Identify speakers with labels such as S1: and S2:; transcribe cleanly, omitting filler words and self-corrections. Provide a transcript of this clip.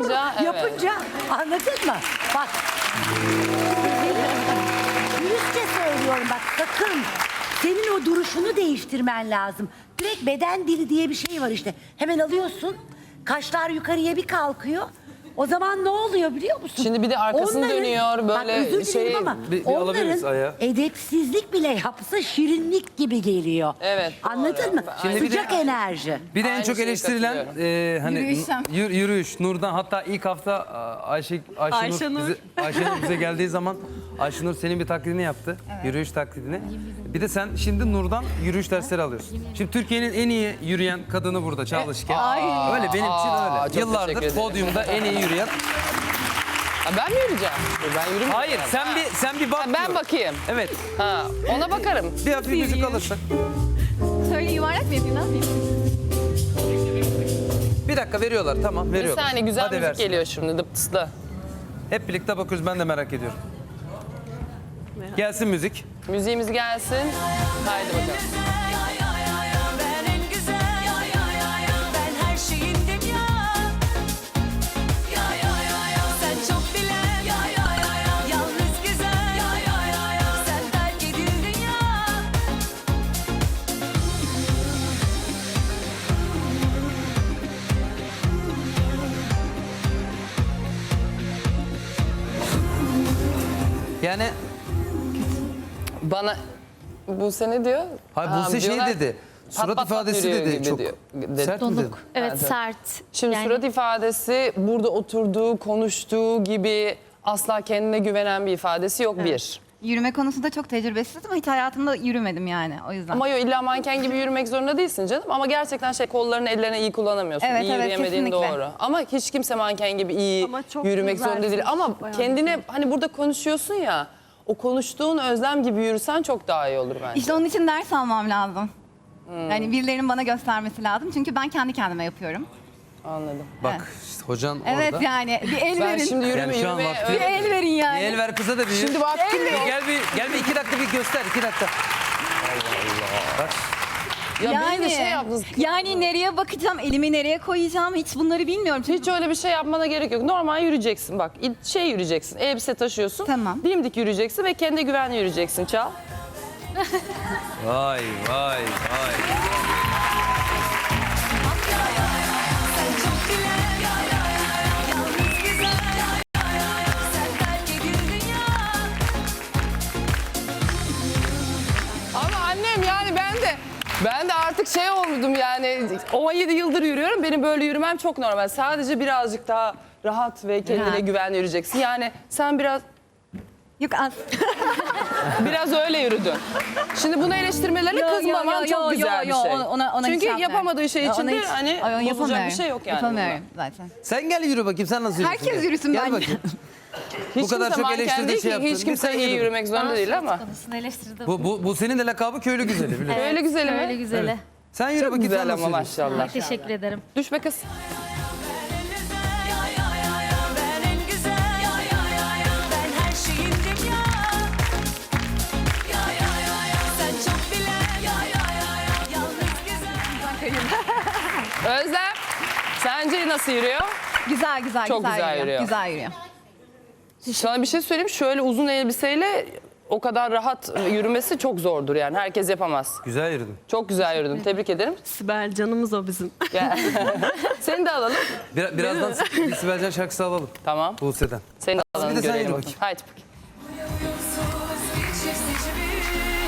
S1: evet.
S2: yapınca anladın mı? Bak. Dürüstçe söylüyorum bak sakın. Senin o duruşunu değiştirmen lazım. Direkt beden dili diye bir şey var işte. Hemen alıyorsun. Kaşlar yukarıya bir kalkıyor. O zaman ne oluyor biliyor musun?
S1: Şimdi bir de arkasını dönüyor, böyle
S2: bak, özür dilerim
S1: şey-
S2: ama
S3: Bir alabiliriz ayağı.
S2: onların edepsizlik bile yapsa şirinlik gibi geliyor.
S1: Evet, doğru.
S2: Anladın mı?
S3: Şimdi bir de-
S2: Sıcak enerji.
S3: Bir de en
S1: Aynı
S3: çok
S1: şeye
S3: eleştirilen hani
S4: Yürüyüşüm.
S3: yürüyüş. Nur'dan hatta ilk hafta Ayşenur bize geldiği zaman Ayşenur senin bir taklidini yaptı. Yürüyüş taklidini. Bir de sen şimdi Nur'dan yürüyüş dersleri alıyorsun. Şimdi Türkiye'nin en iyi yürüyen kadını burada çalışken. Öyle benim için
S1: çok
S3: öyle.
S1: teşekkür
S3: Yıllardır
S1: ederim.
S3: podyumda en iyi yürüyen.
S1: Ha, ben mi yürüyeceğim? Ben yürümeyeceğim.
S3: Hayır sen bir bak.
S1: Ben
S3: diyorum.
S1: bakayım.
S3: Evet.
S1: Ha, ona bakarım.
S3: Bir hafif müzik alırsak.
S4: Söyle yuvarlak mı yapayım, ne yapayım?
S3: Bir dakika veriyorlar tamam
S1: Bir
S3: veriyorlar.
S1: saniye güzel
S3: Hadi
S1: müzik
S3: versin.
S1: geliyor şimdi dıptıslı.
S3: Hep birlikte bakıyoruz ben de merak ediyorum. Gelsin müzik.
S1: Müziğimiz gelsin. Haydi bakalım.
S5: Ben en güzel, ben her şeyindim ya. Sen çok bilen, yalnız güzel, sen terk edildin ya.
S3: Yani
S1: Bana bu sene diyor.
S3: hayır Buse şey
S1: diyorlar,
S3: dedi.
S1: pat
S3: Surat
S1: pat pat
S3: ifadesi
S1: yürüyor
S3: dedi
S1: gibi
S3: çok.
S1: diyor.
S3: Sert mi dedi?
S6: Evet
S1: Evet.
S6: sert.
S1: Şimdi
S6: Yani
S1: surat ifadesi burada oturduğu, konuştuğu gibi asla kendine güvenen bir ifadesi yok bir.
S4: Yürüme konusunda çok tecrübesiz ama hiç hayatımda yürümedim yani o yüzden.
S1: Ama illa manken gibi yürümek zorunda değilsin canım. Ama gerçekten kollarını ellerini iyi kullanamıyorsun.
S4: Evet,
S1: iyi
S4: evet,
S1: yürüyemediğin
S4: kesinlikle.
S1: doğru. Ama hiç kimse manken gibi iyi
S6: Ama çok
S1: yürümek zorunda değil.
S6: güzelsin,
S1: Ama
S6: bayağı
S1: kendine hani burada konuşuyorsun ya, o konuştuğun özlem gibi yürüsen çok daha iyi olur bence.
S4: İşte onun için ders almam lazım. Yani birilerinin bana göstermesi lazım. Çünkü ben kendi kendime yapıyorum.
S1: Anladım.
S3: Bak işte hocan
S4: Evet
S3: orada.
S4: yani bir el
S1: Ben
S4: verin.
S1: şimdi
S3: Yani şu an
S1: yürüme
S3: vakti-
S4: Bir el verin yani.
S3: Bir el ver kıza da bir.
S1: Şimdi vaktim yok.
S3: Gel bir 2 dakika bir göster 2 dakika. Bak.
S1: Ya
S4: yani,
S1: beni de şey yaptınız.
S4: yani nereye bakacağım, elimi nereye koyacağım hiç bunları bilmiyorum. Çünkü
S1: Hiç öyle bir şey yapmana gerek yok. Normal yürüyeceksin bak. Yürüyeceksin. Elbise taşıyorsun.
S4: Tamam.
S1: Dimdik yürüyeceksin ve kendine güvenli yürüyeceksin. Çal.
S3: Vay.
S5: Sen çok bilen, yalnız güzel, sen terk edildin ya.
S1: Ama annem yani ben de artık şey olmuşum yani 17 yıldır yürüyorum. Benim böyle yürümem çok normal. Sadece birazcık daha rahat ve kendine
S4: Rahat.
S1: güvenli yürüyeceksin. Yani sen
S4: yok az.
S1: biraz öyle yürüdün. Şimdi bunu eleştirmelerine kızmaman çok güzel bir şey.
S4: Ona
S1: Çünkü
S4: hiç yapmıyorum.
S1: yapamadığı şey
S4: Ona
S1: için de
S4: hiç-
S1: hani
S4: Ay,
S1: bozulacak bir
S4: yapamıyorum.
S1: şey yok yani.
S4: Yapamıyorum zaten.
S3: Sen gel yürü bakayım sen nasıl yürüyorsun?
S4: Herkes
S3: Gel.
S4: yürüsün
S3: Gel
S4: bence.
S3: bakayım.
S1: Hiç
S3: Bu kadar
S1: kimse
S3: çok
S1: manken
S3: eleştirdiği
S1: değil
S3: şey
S1: ki,
S3: yaptın.
S1: hiç kimse
S3: Sen
S1: iyi
S3: yürü.
S1: yürümek zorunda değil ama.
S6: konusunu eleştirdim.
S3: Bu senin de lakabı köylü güzeli biliyorsun.
S1: Öyle güzeli mi?
S6: Öyle güzeli.
S3: Sen yürü
S1: Çok
S3: bakayım sen
S1: güzel
S3: nasıl
S1: ama
S3: yürüyorsun?
S1: maşallah.
S6: Ay, teşekkür ederim.
S1: Düşme kız.
S5: Ben en güzel, ben her şeyindim ya. Sen çok bilen, yalnız güzel.
S1: Özlem, sence nasıl yürüyor?
S4: Güzel
S1: Çok güzel yürüyor.
S4: Güzel yürüyor.
S1: Sana bir şey söyleyeyim. Şöyle uzun elbiseyle o kadar rahat yürümesi çok zordur yani. Herkes yapamaz.
S3: Güzel yürüdün.
S1: Çok güzel yürüdün. Tebrik ederim.
S7: Sibel canımız o bizim.
S1: Gel. Seni de alalım.
S3: Birazdan bir Sibel Can şarkısı alalım.
S1: Tamam.
S3: Buse'den.
S1: Seni de alalım.
S3: Bir de sen
S1: görelim
S3: yürü
S1: bakalım.
S3: bakayım.
S1: Haydi bakayım.
S5: Uyumsuz bir çift seçimi.